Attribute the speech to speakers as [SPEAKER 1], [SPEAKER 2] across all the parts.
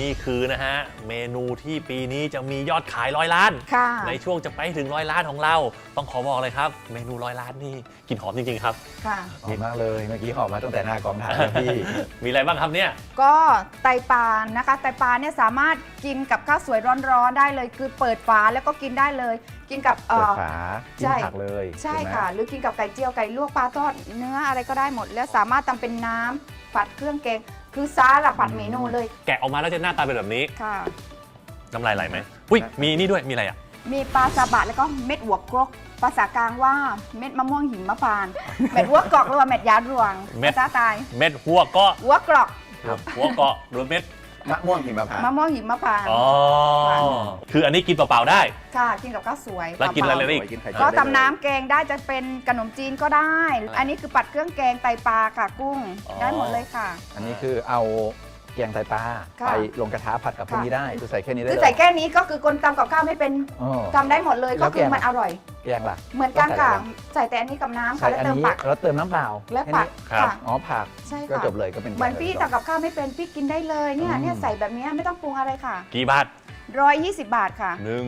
[SPEAKER 1] นี่คือนะฮะเมนูที่ปีนี้จะมียอดขาย100 ล้าน
[SPEAKER 2] ค่ะ
[SPEAKER 1] ในช่วงจะไปถึง100 ล้านของเราต้องขอบอกเลยครับเมนู100 ล้านนี่กลิ่นหอมจริงๆครับ
[SPEAKER 2] ค่ะ
[SPEAKER 3] หอมมากเลยเมื่อกี้หอมมาตั้งแต่หน้ากองถ่ายแล้วพี่
[SPEAKER 1] มีอะไรบ้างครับเนี่ย
[SPEAKER 2] ก็ไตปลานะคะไตปลาเนี่ยสามารถกินกับข้าวสวยร้อนๆได้เลย คือเปิดฝาแล้วก็กินได้เลย กินกับ
[SPEAKER 3] เปิดฝากิน
[SPEAKER 2] ใช่
[SPEAKER 3] ผักเลย
[SPEAKER 2] ใช่
[SPEAKER 3] ถูกไหม
[SPEAKER 2] ค่ะ หรือกินกับไก่เจียวไก่ลวกปลาทอดเนื้ออะไรก็ได้หมด แล้วสามารถทำเป็นน้ำผัดเครื่องแกงคือสารพัดเมนูเลย
[SPEAKER 1] แกะออกมาแล้วจะหน้าตาเป็นแบบนี้
[SPEAKER 2] ค่ะ
[SPEAKER 1] น้ำลายไหลไหมอุ้ยมีนี่ด้วยมีอะไรอ่ะ
[SPEAKER 2] มีปลาซาบะแล้วก็เม็ดหัวกรอกภาษากลางว่าเม็ดมะม่วงหิมพานต์ เม็ดหัวกรอกหรือว่าเม็ดยาดวง
[SPEAKER 1] เม็ด
[SPEAKER 2] ภาษาใต้
[SPEAKER 1] เม็ดหัวเกาะ
[SPEAKER 2] หัวกรอก
[SPEAKER 1] หัวเกาะหรือเม็ด
[SPEAKER 3] มะม่วงหิมพานต์
[SPEAKER 2] มะม่วงหิมพานต์
[SPEAKER 1] อ๋อคืออันนี้กินเปล่าๆได้
[SPEAKER 2] ค่ะกินกับข้าวสวย
[SPEAKER 1] แล้วกินอะไร
[SPEAKER 2] เป
[SPEAKER 1] เลย
[SPEAKER 2] ล่า
[SPEAKER 1] อีก
[SPEAKER 3] กินไข่
[SPEAKER 2] ๆ
[SPEAKER 3] เจี
[SPEAKER 2] ก็
[SPEAKER 3] ยวได้
[SPEAKER 2] ทำน้ำ
[SPEAKER 3] เลย
[SPEAKER 2] แกงได้จะเป็นขนมจีนก็ได้ อันนี้คือปัดเครื่องแกงไตปลาค่ะกุ้ง
[SPEAKER 1] อ๋อ
[SPEAKER 2] ได้หมดเลยค่ะ
[SPEAKER 3] อันนี้คือเอาแกงไตปลา
[SPEAKER 2] ค่ะ
[SPEAKER 3] ไปลงกระทะผัดกับพวกนี้ได้คือใส่แค่นี้ได้
[SPEAKER 2] คือ
[SPEAKER 3] เลย
[SPEAKER 2] ใส่แค่นี้ก็คือคนทำกับข้าวไม่เป็น
[SPEAKER 3] อ๋อ
[SPEAKER 2] ทำได้หมดเลย
[SPEAKER 3] แล้
[SPEAKER 2] ก็
[SPEAKER 3] ว
[SPEAKER 2] คือ
[SPEAKER 3] แกง
[SPEAKER 2] มันอร่อย
[SPEAKER 3] แกงล่ะ
[SPEAKER 2] เหมือนกันค่ะ
[SPEAKER 3] ต้องใส่อะไร
[SPEAKER 2] ใส่แต่อันนี้กับน้ำ
[SPEAKER 3] ใส่
[SPEAKER 2] ค่ะแล้ว
[SPEAKER 3] อัน
[SPEAKER 2] เติม
[SPEAKER 3] นี้
[SPEAKER 2] ผัก
[SPEAKER 3] แล้วเติมน้ำเปล่า
[SPEAKER 2] และ
[SPEAKER 3] แค่
[SPEAKER 2] ผัก
[SPEAKER 3] นี้
[SPEAKER 1] ครับ
[SPEAKER 2] ค่ะ
[SPEAKER 3] อ๋อผัก
[SPEAKER 2] ใช่
[SPEAKER 3] ก็
[SPEAKER 2] ค่ะ
[SPEAKER 3] จบเลยก็เป็น
[SPEAKER 2] เหมือนพี่
[SPEAKER 3] แกง
[SPEAKER 2] ทำกับข้าวไม่เป็นพี่กินได้เลยเนี่ย
[SPEAKER 3] อืม
[SPEAKER 2] เนี่ยใส่แบบเนี้ยไม่ต้องปรุงอะไรค่ะ
[SPEAKER 1] กี่บาท
[SPEAKER 2] 120 บาทค่ะ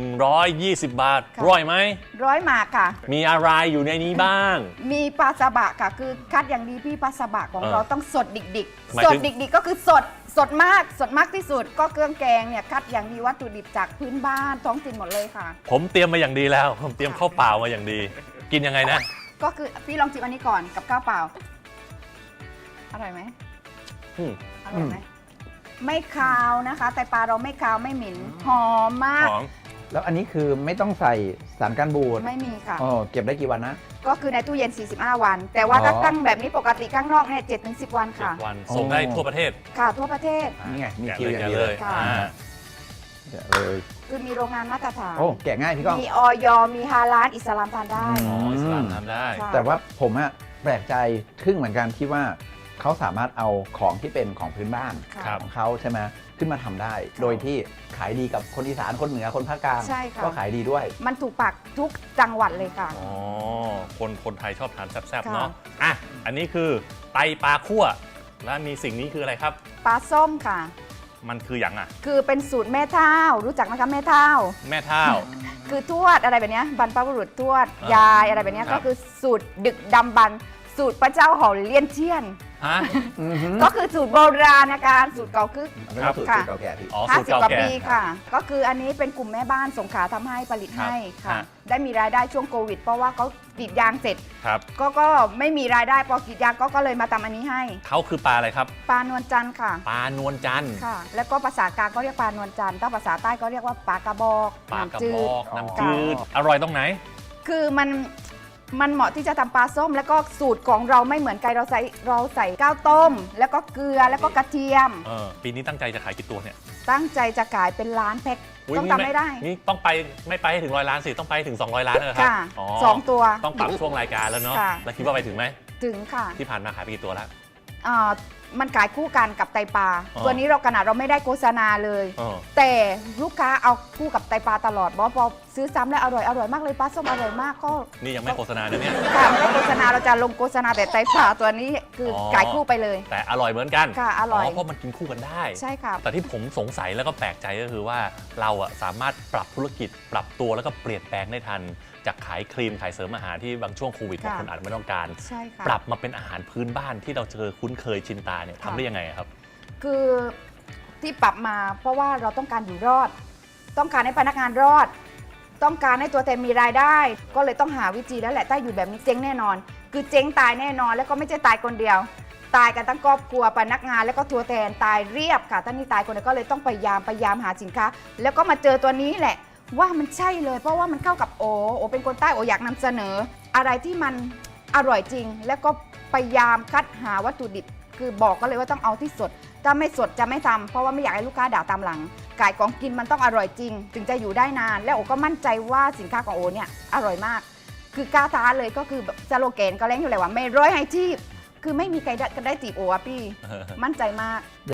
[SPEAKER 1] 120 บาท
[SPEAKER 2] ค่ะ
[SPEAKER 1] ร่อยไหม
[SPEAKER 2] 100 หมากค่ะ
[SPEAKER 1] มีอะไรอยู่ในนี้บ้าง
[SPEAKER 2] มีปลาซาบะค่ะ คือคัดอย่างดีพี่ปลาซาบะของ
[SPEAKER 1] เออ
[SPEAKER 2] เราต้องสดดิก
[SPEAKER 1] หมาย
[SPEAKER 2] ๆ ส
[SPEAKER 1] ถึ
[SPEAKER 2] ด
[SPEAKER 1] ง
[SPEAKER 2] ดิกๆก็คือสดมากที่สุด ก็เครื่องแกงเนี่ยคัดอย่างดีวัตถุดิบจากพื้นบ้านท้องถิ่นหมดเลยค่ะ
[SPEAKER 1] ผมเตรียมมาอย่างดีแล้ว ผมเตรียมข้าวเปล่ามาอย่างดี กินยังไงนะ
[SPEAKER 2] ก็คือพี่ลองจิบอันนี้ก่อนกับข้าวเปล่า อร่อยไหม
[SPEAKER 1] อืม
[SPEAKER 2] อร่อยไหมไม่คาวนะคะแต่ปลาเราไม่คาวไม่เหม็นหอมมาก
[SPEAKER 1] หอม
[SPEAKER 3] แล้วอันนี้คือไม่ต้องใส่สารกันบูด
[SPEAKER 2] ไม่มีค่ะ
[SPEAKER 3] อ๋อเก็บได้กี่วันนะ
[SPEAKER 2] ก็คือในตู้เย็น 45 วัน แต่ว่า
[SPEAKER 3] อ๋อ
[SPEAKER 2] ถ้าตั้งแบบนี้ปกติข้างนอกเนี่ย7-10 วันค่ะ
[SPEAKER 1] 7 วันส่งได้ทั่วประเทศ
[SPEAKER 2] ค่ะทั่วประเทศ
[SPEAKER 3] นี่ไงมี
[SPEAKER 1] แกะ
[SPEAKER 3] คิว
[SPEAKER 1] เลย
[SPEAKER 3] อย่าง
[SPEAKER 1] แกะ
[SPEAKER 3] นี้
[SPEAKER 1] เล
[SPEAKER 3] เลย ย
[SPEAKER 2] ค่ะ
[SPEAKER 3] แกะเลย
[SPEAKER 2] คือมีโรงงานมาตรฐาน
[SPEAKER 3] โอ้แกะง่ายพี่ก้อง
[SPEAKER 2] มีออยมีฮาลาลอิสลามทานได้
[SPEAKER 1] อ๋ออิสลามทำได้
[SPEAKER 2] ค่ะ
[SPEAKER 3] แต่ว่าผมอะแปลกใจทึ่งเหมือนกันที่ว่าเขาสามารถเอาของที่เป็นของพื้นบ้าน
[SPEAKER 2] ค่ะ
[SPEAKER 1] ครับ
[SPEAKER 3] ของเขาใช่ไหมขึ้นมาทำได้ โดยที่ขายดีกับคนอีสานคนเหนือคนภาคกลาง
[SPEAKER 2] ใช่ค่ะ
[SPEAKER 3] ก็ขายดีด้วย
[SPEAKER 2] มันถูกปากทุกจังหวัดเลยค่ะ
[SPEAKER 1] อ๋อ คนไทยชอบทานแซ่บๆ
[SPEAKER 2] ค่ะ
[SPEAKER 1] เนาะ อ่ะ อันนี้คือไตปลาคั่ว แล้วมีสิ่งนี้คืออะไรครับ
[SPEAKER 2] ปลาส้มค่ะ
[SPEAKER 1] มันคืออย่างอ่ะ
[SPEAKER 2] คือเป็นสูตรแม่เท่ารู้จักไหมคะแม่เท่า
[SPEAKER 1] แม่เท่า
[SPEAKER 2] คือทวดอะไรแบบเนี้ยบรรพบุรุษทวด
[SPEAKER 1] อ่าย
[SPEAKER 2] ายอะไรแบบเนี้ย
[SPEAKER 1] ครั
[SPEAKER 2] ก็
[SPEAKER 1] บ
[SPEAKER 2] คือสูตรดึกดำบรรพ์สูตรพระเจ้าเห่าเลี่ยนเทียน
[SPEAKER 1] ฮะ
[SPEAKER 2] ก็คือสูตรโบราณนะคะสูตรเก่าคือ
[SPEAKER 3] ไม่
[SPEAKER 1] ครั
[SPEAKER 3] ต้อบ งสูตร
[SPEAKER 2] ค่ะ
[SPEAKER 3] เก่าแก่พี่
[SPEAKER 1] อ๋อ สูตร
[SPEAKER 2] 50
[SPEAKER 1] เก่าก
[SPEAKER 2] ว่า
[SPEAKER 1] แก่
[SPEAKER 2] ปีค่ะ ก็คืออันนี้เป็นกลุ่มแม่บ้านสงขลาทำให้ผลิตให้ค่ะ
[SPEAKER 1] ฮะ
[SPEAKER 2] ได้มีรายได้ช่วงโควิด เพราะว่าเขากรีดยางเสร็จ
[SPEAKER 1] ครับ
[SPEAKER 2] ก็ไม่มีรายได้พอกรีดยางก็เลยมาทำอันนี้ให้
[SPEAKER 1] เขาคือปลาอะไรครับ
[SPEAKER 2] ปลานวลจันทร์ค่ะ
[SPEAKER 1] ปลานวลจันทร์
[SPEAKER 2] ค่ะ แล้วก็ภาษากลางก็เรียกปลานวลจันทร์ถ้าภาษาใต้ก็เรียกว่าปลากระบอก
[SPEAKER 1] ปลากระ
[SPEAKER 2] น้ำจื
[SPEAKER 1] บ
[SPEAKER 2] ด
[SPEAKER 1] อก น้ำ
[SPEAKER 3] อ๋อ
[SPEAKER 1] จืด อร่อยตรงไหน
[SPEAKER 2] คือมันเหมาะที่จะทำปลาส้ม แล้วก็สูตรของเราไม่เหมือนกันเราใส่ข้าวต้ม แล้วก็เกลือแล้วก็กระเทียม
[SPEAKER 1] ปีนี้ตั้งใจจะขายกี่ตัวเนี่ย
[SPEAKER 2] ตั้งใจจะขายเป็นล้านแพ็ค
[SPEAKER 1] ย
[SPEAKER 2] ต้อง
[SPEAKER 1] นี่
[SPEAKER 2] ทำไม่ได้
[SPEAKER 1] นี่ต้องไปไม่ไปให้ถึง100 ล้านสิ ต้องไปถึง200 ล้านเลยครับ
[SPEAKER 2] ค่ะ
[SPEAKER 1] อ๋อ
[SPEAKER 2] 2 ตัว
[SPEAKER 1] ต้องปรับช่วงรายการแล้วเนาะ
[SPEAKER 2] ค่ะ
[SPEAKER 1] แล้วคิดว่าไปถึงไหม
[SPEAKER 2] ถึงค่ะ
[SPEAKER 1] ที่ผ่านมาขายไปกี่ตัวแล้ว
[SPEAKER 2] อ่ามันขายคู่กันกับไตปลา
[SPEAKER 1] อ๋อ
[SPEAKER 2] ตัวนี้เราขนาดเราไม่ได้โฆษณาเลย
[SPEAKER 1] เออ
[SPEAKER 2] แต่ลูกค้าเอาคู่กับไตปลาตลอดบอกพอซื้อซ้ำแล้วอร่อยมากเลยปลาส้มอร่อยมากก็
[SPEAKER 1] นี่ยังไม่โฆษณานะเนี่ย
[SPEAKER 2] ค่ะไม่ได้โฆษณาเราจะลงโฆษณาแต่ไตปลาตัวนี้คืออ
[SPEAKER 1] อ
[SPEAKER 2] ขายคู่ไปเลย
[SPEAKER 1] แต่อร่อยเหมือนกัน
[SPEAKER 2] ค่ะอร่อย
[SPEAKER 1] เพราะมันกินคู่กันได้
[SPEAKER 2] ใช่ค่ะ
[SPEAKER 1] แต่ที่ผมสงสัยแล้วก็แปลกใจก็คือว่าเราอะสามารถปรับธุรกิจ ปรับตัวแล้วก็เปลี่ยนแปลงได้ทัน จากขายครีมขายเสริมอาหารที่บางช่วงโควิดบาง
[SPEAKER 2] ค่ะ
[SPEAKER 1] คนอาจไม่ต้องการ
[SPEAKER 2] ใช่ค่ะ
[SPEAKER 1] ปรับมาเป็นอาหารพื้นบ้านที่เราเจอคุ้นเคยชินตาเนี่ย
[SPEAKER 2] ค่ะ
[SPEAKER 1] ทำได้ยังไงอะครับ
[SPEAKER 2] คือที่ปรับมาเพราะว่าเราต้องการอยู่รอด ต้องการให้พนักงานรอด ต้องการให้ตัวแทนมีรายได้ ก็เลยต้องหาวิธีแล้วแหละถ้าอยู่แบบนี้เจ๊งแน่นอน คือเจ๊งตายแน่นอน แล้วก็ไม่ใช่ตายคนเดียว ตายกันทั้งครอบครัวพนักงานแล้วก็ตัวแทนตายเรียบค่ะท่านนี่ตายคนเดียวก็เลยต้องพยายามหาสินค้า แล้วก็มาเจอตัวนี้แหละ ว่ามันใช่เลยเพราะว่ามันเข้ากับโอเป็นคนใต้โออยากนำเสนอ อะไรที่มันอร่อยจริง แล้วก็พยายามคัดหาวัตถุดิบ คือบอกก็เลยว่าต้องเอาที่สด ถ้าไม่สดจะไม่ทำเพราะว่าไม่อยากให้ลูกค้าด่าตามหลังไก่ของกินมันต้องอร่อยจริง ถึงจะอยู่ได้นาน และโอก็มั่นใจว่าสินค้าของโอเนี่ยอร่อยมาก คือกล้าท้าเลยก็คือแบบสโลแกนก็เล้งอยู่เลยว่าไม่ร้อยให้ชีพคือไม่มีใครได้จีบโออะพี่ มั่นใจมาก